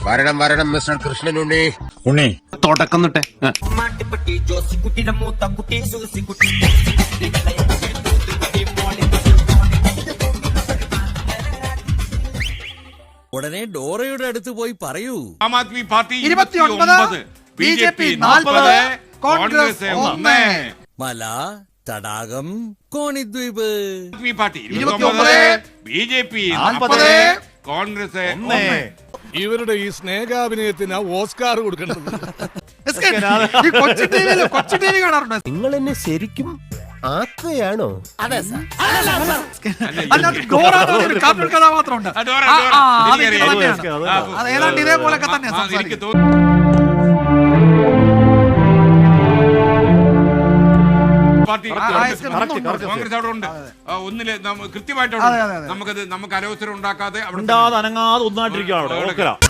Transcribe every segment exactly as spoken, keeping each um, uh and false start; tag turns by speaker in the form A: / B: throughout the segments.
A: വരണം വരണം മിസ്റ്റർ കൃഷ്ണൻ ഉണ്ണി.
B: ഉണ്ണി
C: തുടക്കം തൊട്ടേ
D: ഉടനെ ഡോറയുടെ അടുത്ത് പോയി പറയൂ.
E: ആം ആദ്മി പാർട്ടി
F: ഇരുപത്തിയൊൻപത്, ബി ജെ പി നാൽപ്പത്, കോൺഗ്രസ് ഒന്ന്.
D: മല, തടാകം, കോണിദ്വീപ്.
E: ആദ്മി പാർട്ടി
F: ഇരുപത്തിയൊൻപത്,
E: ബി ജെ പി
F: നാൽപ്പത്,
E: കോൺഗ്രസ്
F: ഒന്ന്.
G: ഇവരുടെ ഈ സ്നേഹാഭിനയത്തിന് ഓസ്കാർ കൊടുക്കേണ്ടത്.
F: ഈ കൊച്ചു ടിവിയിൽ കൊച്ചു ടി വി കാണാറുണ്ടോ?
A: നിങ്ങൾ എന്നെ ശരിക്കും ആക്കുകയാണോ?
D: അതെ സാർ.
F: അതിനകത്ത് ഡോറ എന്ന് പറഞ്ഞൊരു കാർട്ടൂൺ കഥാപാത്രമുണ്ട്.
E: ആ, ഡോറ,
F: ആ,
E: ഡോറ.
F: ആ, അത്
E: എനിക്കറിയാം,
F: ഇത് തന്നെയാണ്.
E: എനിക്കറിയാം.
F: അത് ഏതാണ്ട് ഇതേപോലൊക്കെ തന്നെ
E: ആ, എനിക്ക്
F: സംസാരിക്കും.
E: തോന്നുന്നു പാർട്ടി
F: ആ, ആ, എസ് കെ
E: കോൺഗ്രസ്
F: ഒന്നുണ്ട്.
E: അവിടെ ഉണ്ട്. ആ, ഒന്നില് നമ്മ- കൃത്യമായിട്ട് അവിടെ
F: അതെ,
E: ഉണ്ട്.
F: അതെ, അതെ.
E: നമുക്കത് നമുക്ക് അനവസരം ഉണ്ടാക്കാതെ അവിടെ
B: ഉണ്ടാതെ അനങ്ങാതെ ഒന്നായിട്ടിരിക്കുകയാണ് അവിടെ.
E: അവിടെ
B: ഓക്കെടാ.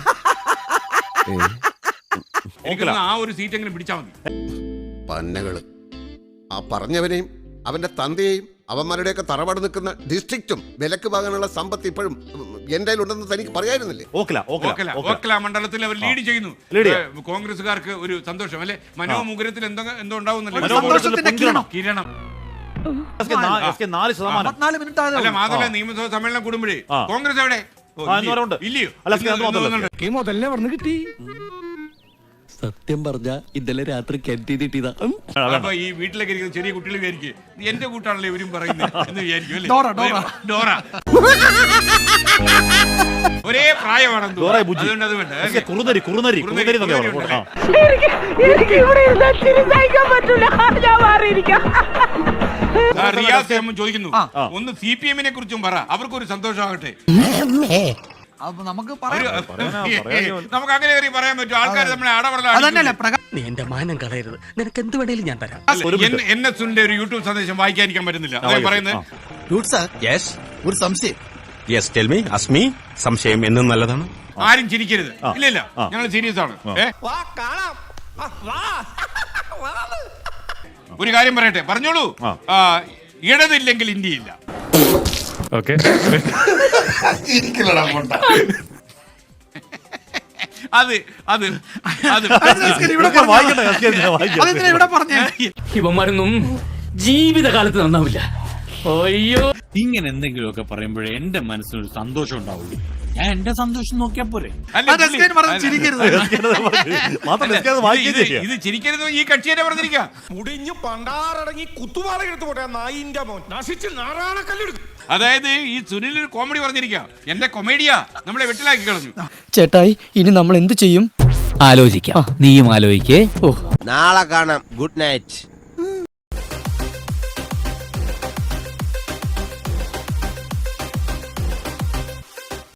E: എനിക്ക് തോന്നുന്നു ആ ഒരു സീറ്റ് എങ്കിലും പിടിച്ചാൽ മതി.
H: പന്നകള് ആ പറഞ്ഞവനെയും അവന്റെ തന്തയെയും അവന്മാരുടെയൊക്കെ തറവാട് നിൽക്കുന്ന ഡിസ്ട്രിക്റ്റും വിലക്ക് വാങ്ങാനുള്ള സമ്പത്ത് ഇപ്പോഴും എന്റെ ഉണ്ടെന്ന് തനിക്ക് പറയായിരുന്നില്ലേ?
B: ഓക്കെടാ, ഓക്കെടാ,
E: ഓക്കല
B: ഓക്കെടാ.
E: ഓക്കല മണ്ഡലത്തിൽ അവർ ലീഡ് ചെയ്യുന്നു.
B: ലീഡ്
E: ഏ, കോൺഗ്രസ്സുകാർക്ക് ഒരു സന്തോഷം അല്ലെ? മനോമുഗ്രത്തിൽ എന്തോ എന്തോ
F: ഒരു
E: ഉണ്ടാവുന്നല്ലോ.
F: സന്തോഷത്തിന്റെ കിരണം.
E: കിരണം.
B: എസ് കെ നാ- എസ് കെ നാല് ശതമാനം.
F: അമ്പത്തിനാല് മിനിറ്റ് ആയതേ
E: അല്ല
F: ഉള്ളൂ.
E: മാത്രമല്ല നിയമസഭാ സമ്മേളനം കൂടുമ്പോഴേ
B: ആ.
E: കോൺഗ്രസ് എവിടെ? ഓ,
B: ആ,
E: ഇല്ലയോ?
B: ഇന്നവരുണ്ട്.
E: ഇല്ലയോ?
B: അല്ല, എസ് കെ അത്
E: ഇന്ന്
B: വന്നല്ലോ.
E: വന്നിട്ടുണ്ട്.
G: ഈ മുതലേ പറഞ്ഞു കിട്ടി.
D: സത്യം പറഞ്ഞ ഇന്നലെ രാത്രി കെട്ടിയിട്ടിതാ.
E: അപ്പൊ ഈ വീട്ടിലേക്ക് ഇരിക്കുന്ന ചെറിയ കുട്ടികൾ വിചാരിക്കും എന്റെ കൂട്ടാണല്ലോ ഇവരും പറയുന്നത് എന്ന് വിചാരിക്കും അല്ലേ?
F: Dora, Dora.
E: ഡോറ ഒരേ പ്രായമാണെന്ന്
B: ഡോറ
E: തോന്നുന്നു.
B: ബുജ്ജി.
E: അതുകൊണ്ട് അത് വേണ്ട.
B: എസ് കെ കുറുനരി കുറുനരി കുറുനരി എന്നൊക്കെ
E: കുറുനരി
B: പറയും. ആ.
I: എനിക്ക് ഇവിടെ ഇരുന്നാൽ ചിരി സഹിക്കാൻ പറ്റൂല. ഞാൻ മാറിയിരിക്കാം.
E: ആ, റിയാസ് എം ചോദിക്കുന്നു
F: ആ.
E: ഒന്ന് സി പി എമ്മിനെ കുറിച്ചും പറ, അവർക്കൊരു സന്തോഷമാകട്ടെ.
F: അപ്പൊ നമുക്ക്
E: ഒരു-
F: പറയാം.
B: പറയാനാ, പറയാനാ.
E: നമുക്ക് അങ്ങനെ കയറി പറയാൻ പറ്റും. ആൾക്കാർ നമ്മളെ
F: അതന്നെയല്ലേ
E: അടവറല.
F: പ്രകാശ്
D: നീ എന്റെ മാനം കളയരുത്. നിനക്ക് എന്ത് വേണേലും ഞാൻ തരാം.
E: എൻ എസ് സുനിന്റെ ഒരു യൂട്യൂബ് സന്ദേശം വായിക്കാതിരിക്കാൻ പറ്റുന്നില്ല. അദ്ദേഹം പറയുന്നത്
J: ഒരു സംശയം. യെസ് ടെൽ മീ അസ്മി സംശയം എന്നും നല്ലതാണ്.
E: ആരും ചിരിക്കരുത്.
B: ആ.
E: ഇല്ല ഇല്ല
B: ആ.
E: ഞങ്ങൾ സീരിയസ് ആണ്.
B: ആ.
E: ഏ? ഒരു കാര്യം പറയട്ടെ, പറഞ്ഞോളൂ.
B: ആ.
E: ആ, ഇടതില്ലെങ്കിൽ ഇന്ത്യയില്ല.
B: ഓക്കെ.
E: അത് അത് അത്
F: ഇവിടെ
B: ഇതൊക്കെ വായിക്കട്ടെ, എസ് കെ ഇതിനെ വായിക്കട്ടെ.
F: അതെന്തിനാ ഇവിടെ പറഞ്ഞേ?
C: ഇവന്മാരൊന്നും ജീവിതകാലത്ത് നന്നാവില്ല. അയ്യോ,
K: ഇങ്ങനെ എന്തെങ്കിലുമൊക്കെ പറയുമ്പോഴേ എന്റെ മനസ്സിനൊരു സന്തോഷം ഉണ്ടാവുള്ളൂ. ഞാൻ എന്റെ സന്തോഷം നോക്കിയാ പോരെ.
E: അല്ല,
F: അത് എസ് കെ പറഞ്ഞ് ചിരിക്കരുത്.
B: എസ് കെ അത് വായിക്കും. മാത്രമല്ല എസ് കെ അത് വായിക്കുകയും
E: ഇത്
B: ചെയ്യാം.
E: ഇത് ചിരിക്കരുത് ഈ കക്ഷി തന്നെ പറഞ്ഞിരിക്കാം.
G: മുടിഞ്ഞു പണ്ടാറടങ്ങി കുത്തുപാറ എടുത്തു പോട്ടെ നായിന്റെ മോൻ നശിച്ച് നാറാണക്കല്ലെടുക്കും.
E: അതായത് ഈ സുനിൽ ഒരു കോമഡി പറഞ്ഞിരിക്കാം. എന്റെ കൊമേഡിയാ നമ്മളെ വെട്ടിലാക്കി കളഞ്ഞു.
D: ചേട്ടായി ഇനി നമ്മൾ എന്ത് ചെയ്യും? ആലോചിക്കാം. നീയും ആലോചിക്കേ. ഓ
A: നാളെ കാണാം. Good night.